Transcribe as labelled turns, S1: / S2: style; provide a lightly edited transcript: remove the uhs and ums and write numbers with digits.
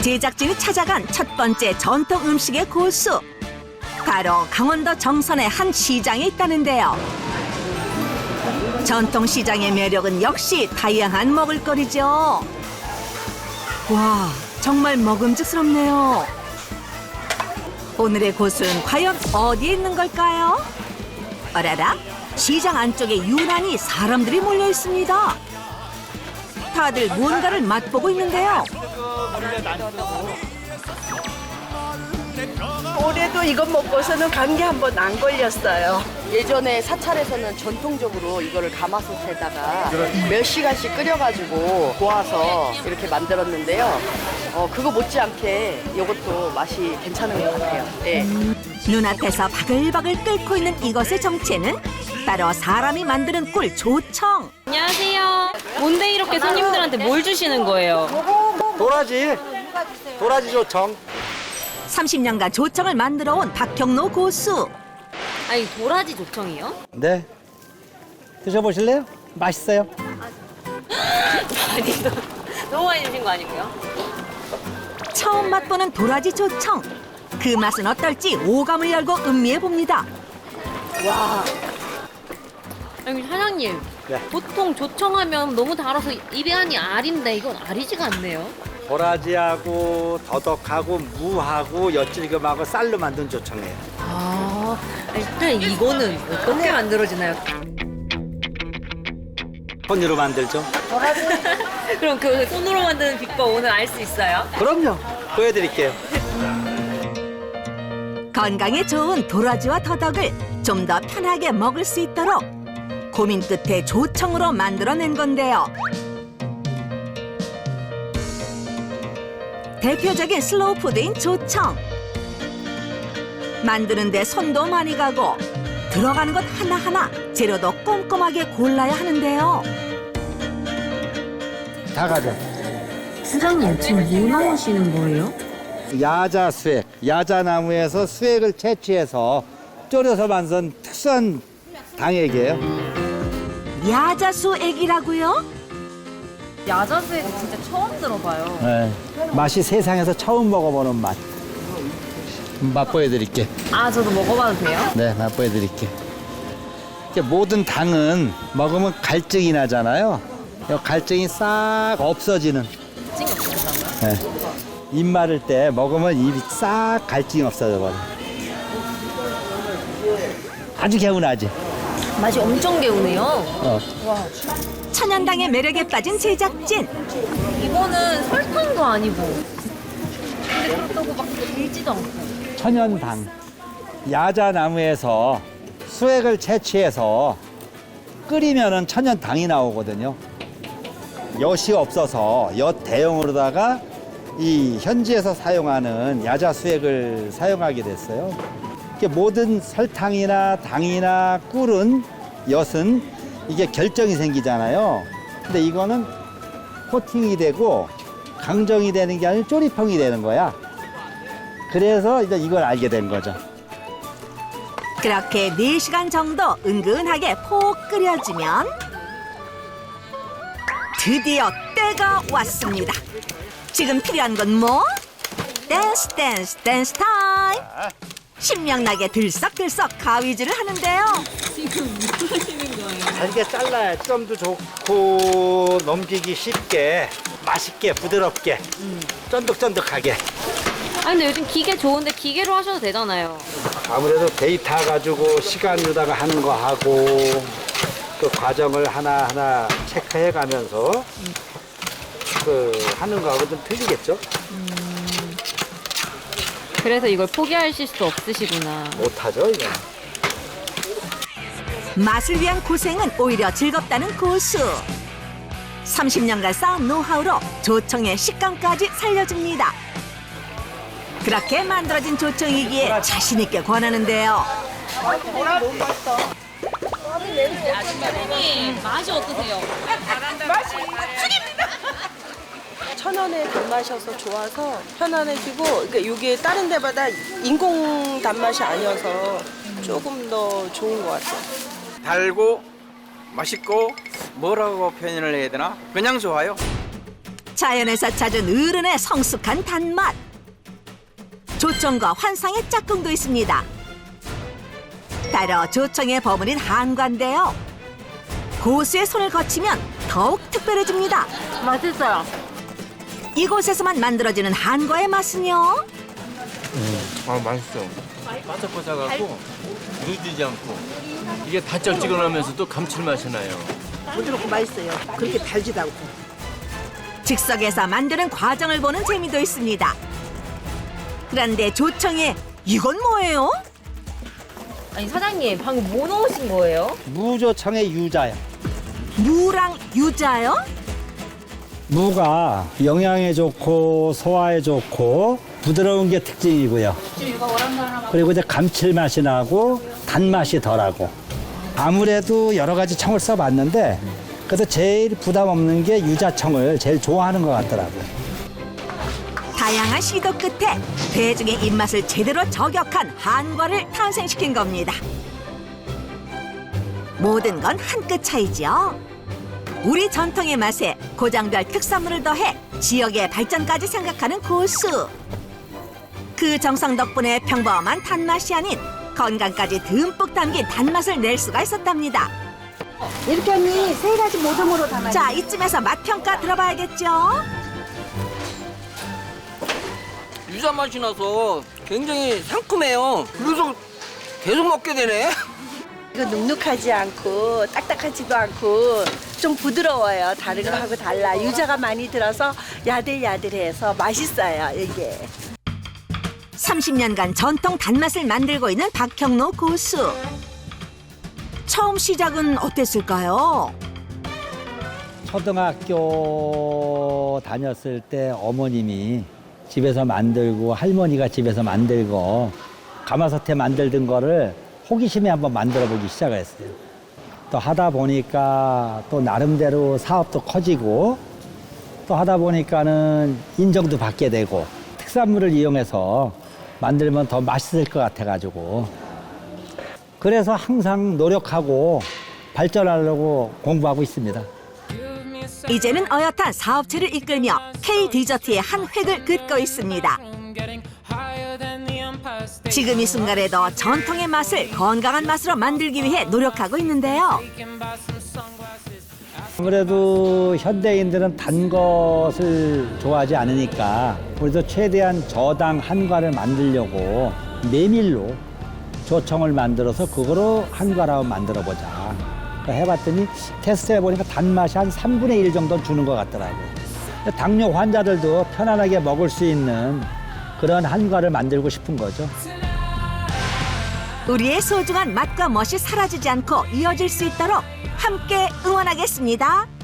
S1: 제작진이 찾아간 첫 번째 전통 음식의 고수. 바로 강원도 정선의 한 시장에 있다는데요. 전통 시장의 매력은 역시 다양한 먹을거리죠. 와, 정말 먹음직스럽네요. 오늘의 고수는 과연 어디에 있는 걸까요? 어라라, 시장 안쪽에 유난히 사람들이 몰려 있습니다. 다들 무언가를 맛보고 있는데요.
S2: 올해도 이것 먹고서는 감기 한 번 안 걸렸어요.
S3: 예전에 사찰에서는 전통적으로 이거를 가마솥에다가 몇 시간씩 끓여가지고 고아서 이렇게 만들었는데요. 그거 못지않게 이것도 맛이 괜찮은 것 같아요. 네.
S1: 눈앞에서 바글바글 끓고 있는 이것의 정체는 바로 사람이 만드는 꿀 조청.
S4: 안녕하세요. 뭔데 이렇게 손님들한테 뭘 주시는 거예요?
S5: 도라지 조청.
S1: 30년간 조청을 만들어 온 박경로 고수.
S4: 아니 도라지 조청이요?
S5: 네. 드셔보실래요? 맛있어요.
S4: 아니 너무 많이 주신 거 아니고요?
S1: 처음 맛보는 도라지 조청. 그 맛은 어떨지 오감을 열고 음미해 봅니다.
S4: 아니 사장님,
S5: 네.
S4: 보통 조청하면 너무 달아서 입에 안이 알인데 이건 알이지가 않네요.
S5: 도라지하고 더덕하고 무하고 엿질금하고 쌀로 만든 조청이에요.
S4: 아, 일단 이거는 어떻게 만들어지나요?
S5: 손으로 만들죠.
S4: 그럼 그 손으로 만드는 비법 오늘 알 수 있어요?
S5: 그럼요. 보여드릴게요.
S1: 건강에 좋은 도라지와 더덕을 좀 더 편하게 먹을 수 있도록 고민 끝에 조청으로 만들어낸 건데요. 대표적인 슬로우 푸드인 조청. 만드는데 손도 많이 가고 들어가는 것 하나하나 재료도 꼼꼼하게 골라야 하는데요.
S5: 다 가져.
S4: 사장님 지금 뭐 나오시는 거예요?
S5: 야자 수액. 야자나무에서 수액을 채취해서 졸여서 만든 특수한 당액이에요.
S1: 야자수액이라고요?
S4: 야자수액은 진짜 처음 들어봐요.
S5: 네. 맛이 세상에서 처음 먹어보는 맛. 맛보여드릴게.
S4: 아 저도 먹어봐도 돼요?
S5: 네, 맛보여드릴게. 모든 당은 먹으면 갈증이 나잖아요. 이 갈증이 싹 없어지는.
S4: 갈증이 없어진다고요?
S5: 네. 입 마를 때 먹으면 입이 싹 갈증이 없어져 버려. 아주 개운하지.
S4: 맛이 엄청 개운해요.
S1: 천연당의 매력에 빠진 제작진.
S4: 이거는 설탕도 아니고 근데 그렇다고 막 길지도 않고.
S5: 천연당. 야자나무에서 수액을 채취해서 끓이면은 천연당이 나오거든요. 엿이 없어서 엿 대용으로다가 이 현지에서 사용하는 야자 수액을 사용하게 됐어요. 이게 모든 설탕이나 당이나 꿀은 엿은 이게 결정이 생기잖아요. 근데 이거는 코팅이 되고 강정이 되는 게 아니라 쪼리평이 되는 거야. 그래서 이제 이걸 알게 된 거죠.
S1: 그렇게 4시간 정도 은근하게 푹 끓여주면 드디어 때가 왔습니다. 지금 필요한 건 뭐? 댄스 댄스 댄스 타임! 신명나게 들썩들썩 가위질을 하는데요.
S5: 잘게 잘라야 점도 좋고 넘기기 쉽게 맛있게 부드럽게 쫀득쫀득하게.
S4: 아 근데 요즘 기계 좋은데 기계로 하셔도 되잖아요.
S5: 아무래도 데이터 가지고 시간 유다가 하는 거 하고 그 과정을 하나하나 체크해 가면서 그 하는 거하고 좀 틀리겠죠?
S4: 그래서 이걸 포기하실 수 없으시구나.
S5: 못하죠 이거.
S1: 맛을 위한 고생은 오히려 즐겁다는 고수. 30년간 쌓은 노하우로 조청의 식감까지 살려줍니다. 그렇게 만들어진 조청이기에 자신 있게 권하는데요.
S4: 아줌마님 맛이 어떠세요?
S2: 천연의 단맛이어서 좋아서 편안해지고, 그러니까 이게 다른 데마다 인공 단맛이 아니어서 조금 더 좋은 것 같아요.
S6: 달고 맛있고 뭐라고 표현을 해야 되나? 그냥 좋아요.
S1: 자연에서 찾은 어른의 성숙한 단맛. 조청과 환상의 짝꿍도 있습니다. 따로 조청에 버무린 한과인데요. 고수의 손을 거치면 더욱 특별해집니다.
S4: 맛있어요.
S1: 이곳에서만 만들어지는 한과의 맛은요?
S6: 맛있어. 바삭바삭하고 누지지 않고 이게 달짝지근하면서도 감칠맛이 나요.
S2: 부드럽고 맛있어요. 그렇게 달지도 않고.
S1: 즉석에서 만드는 과정을 보는 재미도 있습니다. 그런데 조청에 이건 뭐예요?
S4: 아니 사장님 방금 뭐 넣으신 거예요?
S5: 무조청의 유자요.
S1: 무랑 유자요?
S5: 무가 영양에 좋고 소화에 좋고 부드러운 게 특징이고요. 그리고 이제 감칠맛이 나고 단맛이 덜하고. 아무래도 여러 가지 청을 써봤는데 그래도 제일 부담 없는 게 유자청을 제일 좋아하는 것 같더라고요.
S1: 다양한 시도 끝에 대중의 입맛을 제대로 저격한 한과를 탄생시킨 겁니다. 모든 건 한 끗 차이죠. 우리 전통의 맛에 고장별 특산물을 더해 지역의 발전까지 생각하는 고수. 그 정성 덕분에 평범한 단맛이 아닌 건강까지 듬뿍 담긴 단맛을 낼 수가 있었답니다.
S2: 이렇게 언니 세 가지 모듬으로 담아요.
S1: 자, 이쯤에서 맛평가 들어봐야겠죠?
S7: 유자 맛이 나서 굉장히 상큼해요. 그래서 계속 먹게 되네.
S2: 이거 눅눅하지 않고 딱딱하지도 않고 좀 부드러워요. 다른 거하고 달라. 유자가 많이 들어서 야들야들해서 맛있어요. 이게.
S1: 30년간 전통 단맛을 만들고 있는 박형로 고수. 처음 시작은 어땠을까요?
S5: 초등학교 다녔을 때 어머님이 집에서 만들고 할머니가 집에서 만들고 가마솥에 만들던 거를 호기심에 한번 만들어 보기 시작을 했어요. 또 하다 보니까 또 나름대로 사업도 커지고 또 하다 보니까는 인정도 받게 되고 특산물을 이용해서 만들면 더 맛있을 것 같아가지고 그래서 항상 노력하고 발전하려고 공부하고 있습니다.
S1: 이제는 어엿한 사업체를 이끌며 K 디저트의 한 획을 긋고 있습니다. 지금 이 순간에도 전통의 맛을 건강한 맛으로 만들기 위해 노력하고 있는데요.
S5: 아무래도 현대인들은 단 것을 좋아하지 않으니까 우리도 최대한 저당 한과를 만들려고 메밀로 조청을 만들어서 그거로 한과를 만들어 보자. 해봤더니 테스트 해보니까 단맛이 한 3분의 1 정도 주는 것 같더라고요. 당뇨 환자들도 편안하게 먹을 수 있는 그런 한과를 만들고 싶은 거죠.
S1: 우리의 소중한 맛과 멋이 사라지지 않고 이어질 수 있도록 함께 응원하겠습니다.